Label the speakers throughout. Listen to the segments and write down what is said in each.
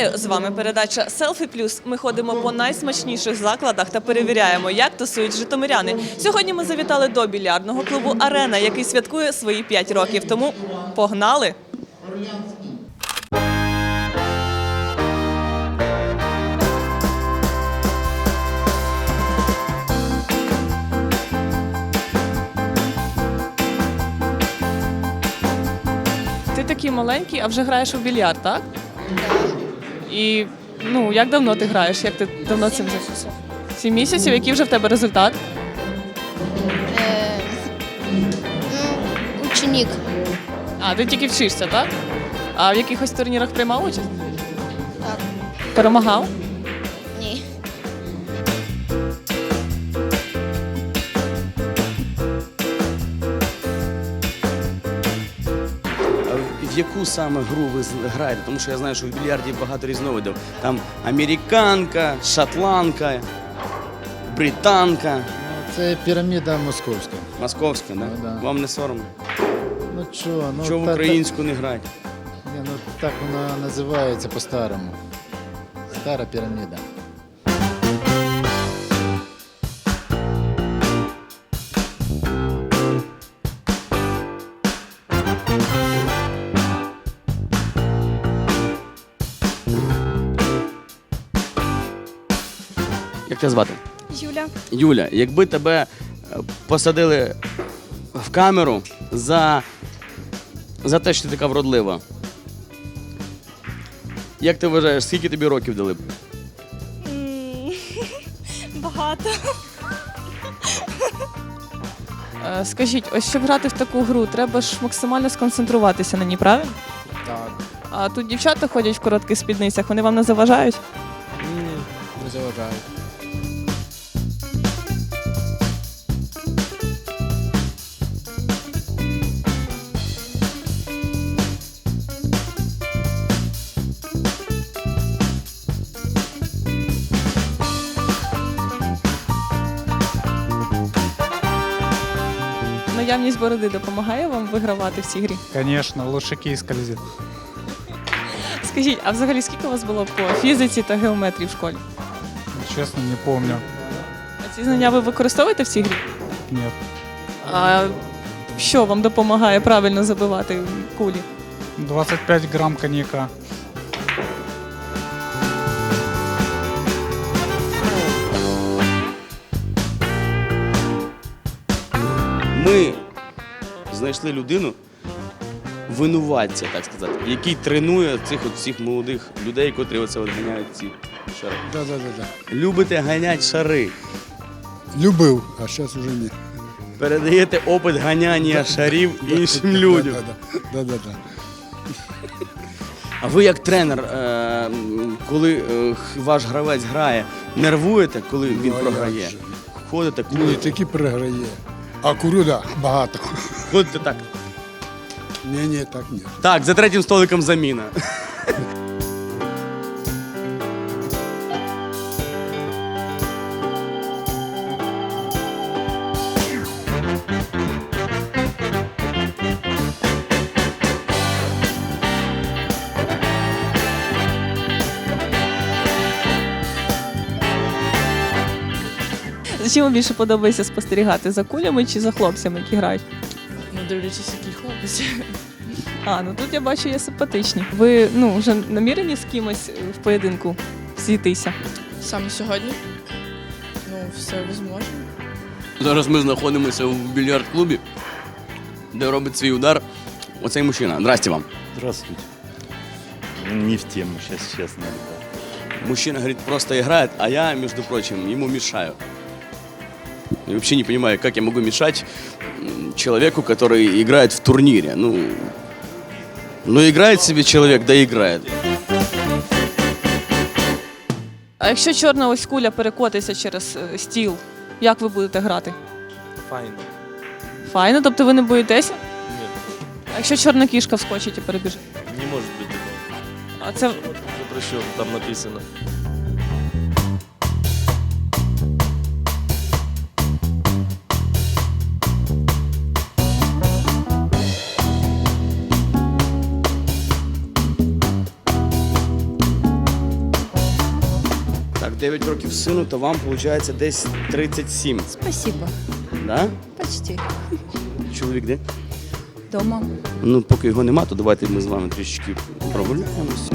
Speaker 1: Вітаю! З вами передача «Селфі Плюс». Ми ходимо по найсмачніших закладах та перевіряємо, як тусують житомиряни. Сьогодні ми завітали до більярдного клубу «Арена», який святкує свої 5 років. Тому погнали! Ти такий маленький, а вже граєш у більярд, так? І як давно ти граєш? Як ти давно цим займаєшся? 7 місяців. Який вже в тебе результат?
Speaker 2: Ученик.
Speaker 1: А, ти тільки вчишся, так? А в якихось турнірах приймав участь?
Speaker 2: Так.
Speaker 1: Перемагав?
Speaker 2: Ні.
Speaker 3: В яку саме гру ви граєте? Тому що я знаю, що в більярді багато різновидів. Там американка, шотландка, британка,
Speaker 4: Це піраміда московська.
Speaker 3: московська, да?
Speaker 4: Да.
Speaker 3: Вам не соромно?
Speaker 4: Ну чого,
Speaker 3: Чого в українську не граєте?
Speaker 4: Ні, так вона називається по-старому. Стара піраміда.
Speaker 3: Як тебе звати?
Speaker 2: Юля.
Speaker 3: Юля, якби тебе посадили в камеру за те, що ти така вродлива, як ти вважаєш, скільки тобі років дали б?
Speaker 2: Багато.
Speaker 1: Скажіть, ось щоб грати в таку гру, треба ж максимально сконцентруватися на ній, правильно?
Speaker 4: Так.
Speaker 1: А тут дівчата ходять в коротких спідницях, вони вам не заважають?
Speaker 4: Ні, не заважають.
Speaker 1: Наявність бороди допомагає вам вигравати в цій грі?
Speaker 5: Конечно, лучше кий скользит.
Speaker 1: Скажіть, а взагалі скільки у вас було по фізиці та геометрії в школі?
Speaker 5: Честно, не помню.
Speaker 1: А ці знання ви використовуєте в цій грі?
Speaker 5: Нет.
Speaker 1: А що вам допомагає правильно забивати кулі?
Speaker 5: 25 грамм коньяка.
Speaker 3: Ми знайшли людину, винуватця, так сказати, який тренує цих от всіх молодих людей, котрі оце от ганяють ці шари.
Speaker 6: Да.
Speaker 3: Любите ганять шари.
Speaker 6: Любив, а зараз уже ні.
Speaker 3: Передаєте опит ганяння шарів іншим людям.
Speaker 6: Да.
Speaker 3: А ви як тренер, коли ваш гравець грає, нервуєте, коли він
Speaker 6: Ну, а
Speaker 3: програє?
Speaker 6: як же?
Speaker 3: Ходите,
Speaker 6: Ні,
Speaker 3: курите?
Speaker 6: таки переграє. А курю, да, багато.
Speaker 3: Ходите так.
Speaker 6: Ні, так ні.
Speaker 3: Так, за третім столиком заміна.
Speaker 1: Чим вам більше подобається спостерігати, за кулями чи за хлопцями, які грають?
Speaker 7: Ну, дивлячись, який хлопець.
Speaker 1: А, ну тут я бачу, є симпатичні. Ви вже намірені з кимось в поєдинку зійтися?
Speaker 7: Саме сьогодні. Ну, все возможно.
Speaker 3: Зараз ми знаходимося в більярд-клубі, де робить свій удар оцей мужчина. Здрасте вам.
Speaker 8: Здравствуйте. Не в тему, сейчас честно. Да.
Speaker 3: Мужчина, говорит, просто играет, а я, между прочим, ему мешаю. Я вообще не понимаю, как я могу мешать человеку, который играет в турнире. Ну играет себе человек, да играет.
Speaker 1: А якщо чорна ось куля перекотиться через стіл, як ви будете грати?
Speaker 9: Файно.
Speaker 1: Файно, тобто ви не боїтеся?
Speaker 9: Нет,
Speaker 1: А якщо чорна кішка вскочить і перебіжить?
Speaker 9: не может быть такого.
Speaker 1: А це
Speaker 9: Запрещено, там написано.
Speaker 3: Так, 9 років сину, то вам виходить десь 37.
Speaker 7: Спасибо.
Speaker 3: Да?
Speaker 7: Почти.
Speaker 3: Чоловік де?
Speaker 7: Дома.
Speaker 3: Ну, поки його нема, то давайте ми з вами трішечки прогуляємося.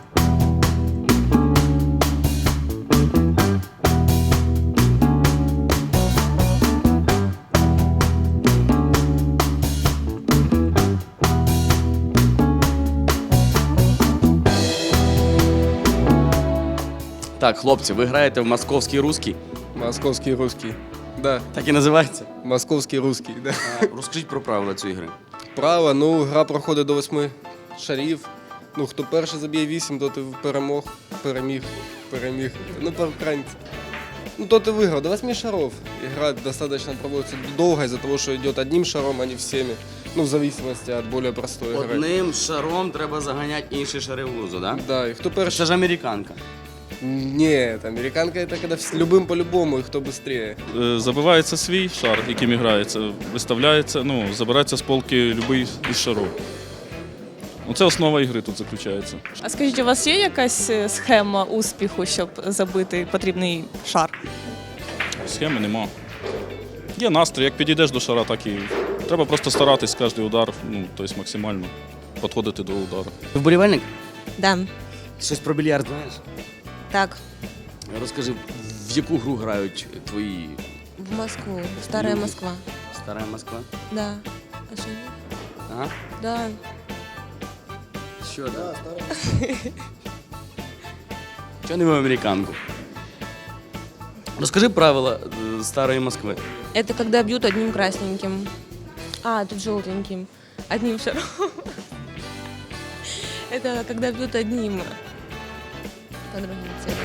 Speaker 3: Так, хлопці, ви граєте в московський русський?
Speaker 10: Московский русский. Да,
Speaker 3: Так і називається?
Speaker 10: московский русский, да.
Speaker 3: Розкажіть про правила цієї гри.
Speaker 10: Право, ну, гра проходить до 8 шарів. Ну, хто перший заб'є 8, то ти переміг. Ну, по-українськи. Ну, то ти виграв. До 8 шаров. Игра достаточно проводится долго из-за того, что идет одним шаром, а не всеми. Ну, в зависимости от более простой игры.
Speaker 3: Одним шаром треба заганяти інші шари в лузу, да?
Speaker 10: Да, и кто перший...
Speaker 3: Це ж американка.
Speaker 10: Нет, американка это когда любым по-любому, и кто быстрее.
Speaker 8: Забивається свій шар, яким грається, виставляється, ну, забирається з полки будь-який із шарів. Ну, це основа ігри тут заключається.
Speaker 1: А скажіть, у вас є якась схема успіху, щоб забити потрібний шар?
Speaker 8: Схеми нема. Є настрій, як підійдеш до шара, так і треба просто старатись кожен удар, ну, тобто максимально підходити до удару.
Speaker 3: Ти вболівальник?
Speaker 7: Да.
Speaker 3: Щось про більярд знаєш?
Speaker 7: Так,
Speaker 3: Розкажи, в яку гру грають твої
Speaker 7: в Москву. Старая
Speaker 3: Люди.
Speaker 7: Москва.
Speaker 3: Стара Москва?
Speaker 7: Да. А что нет?
Speaker 3: Ага.
Speaker 7: Да.
Speaker 3: Що да? Чого не в американку? Розкажи правила старої Москви.
Speaker 7: Это когда бьют одним красненьким. А, тут желтеньким. Одним шаром. Это когда бьют одним. По другим целям.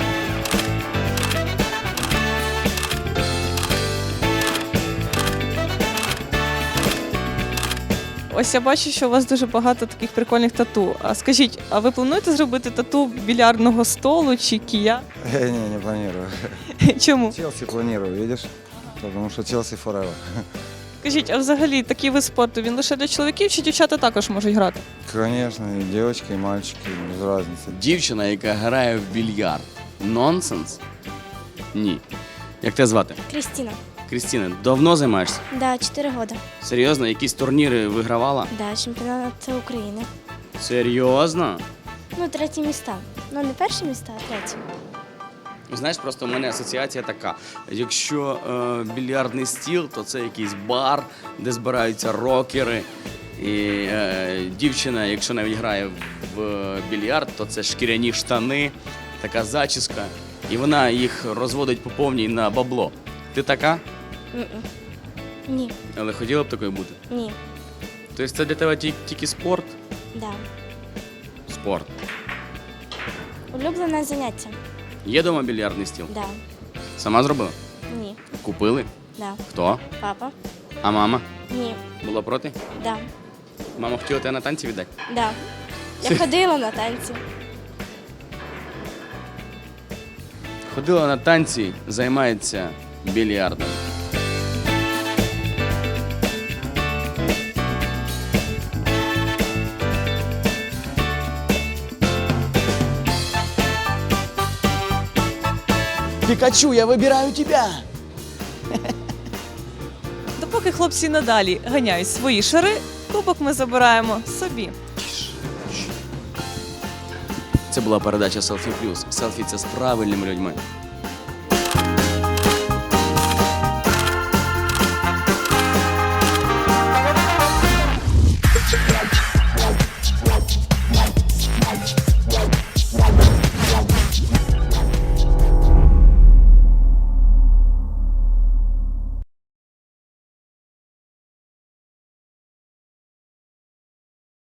Speaker 1: Ось я бачу, що у вас дуже багато таких прикольних тату. А скажіть, а ви плануєте зробити тату більярдного столу чи кія?
Speaker 11: Не планирую.
Speaker 1: Чому?
Speaker 11: Челси планирую, видишь? Потому что Челси forever.
Speaker 1: Скажіть, а взагалі такий вид спорту він лише для чоловіків чи дівчата також можуть грати?
Speaker 11: Конечно, и девочки, и мальчики, без разницы.
Speaker 3: Дівчина, яка грає в більярд. Нонсенс? Ні. Як тебе звати?
Speaker 2: Кристина.
Speaker 3: Крістіна, давно займаєшся?
Speaker 2: Да, 4 года.
Speaker 3: Серйозно? Якісь турніри вигравала?
Speaker 2: Да, чемпіонат України.
Speaker 3: Серйозно?
Speaker 2: Ну, 3 міста. Ну, не перші міста, а 3.
Speaker 3: Знаєш, просто в мене асоціація така. Якщо більярдний стіл, то це якийсь бар, де збираються рокери. І дівчина, якщо навіть грає в більярд, то це шкіряні штани, така зачіска. І вона їх розводить по повній на бабло. Ти така?
Speaker 2: Ні,
Speaker 3: Але хотіла б такою бути?
Speaker 2: ні,
Speaker 3: Тобто це для тебе тільки спорт?
Speaker 2: да.
Speaker 3: Спорт.
Speaker 2: Улюблене заняття?
Speaker 3: Є дома більярдний стіл?
Speaker 2: Да.
Speaker 3: Сама зробила?
Speaker 2: Ні,
Speaker 3: Купили?
Speaker 2: да.
Speaker 3: Хто?
Speaker 2: Папа?
Speaker 3: А мама?
Speaker 2: Ні,
Speaker 3: Була проти?
Speaker 2: да.
Speaker 3: Мама хотіла тебе на танці віддати?
Speaker 2: Да. Я ходила на танці.
Speaker 3: Ходила на танці, займається більярдом. Пікачу, я вибираю тебе!
Speaker 1: Допоки хлопці надалі ганяють свої шари, кубок ми забираємо собі.
Speaker 3: Це була передача Селфі Плюс. Селфі це з правильними людьми.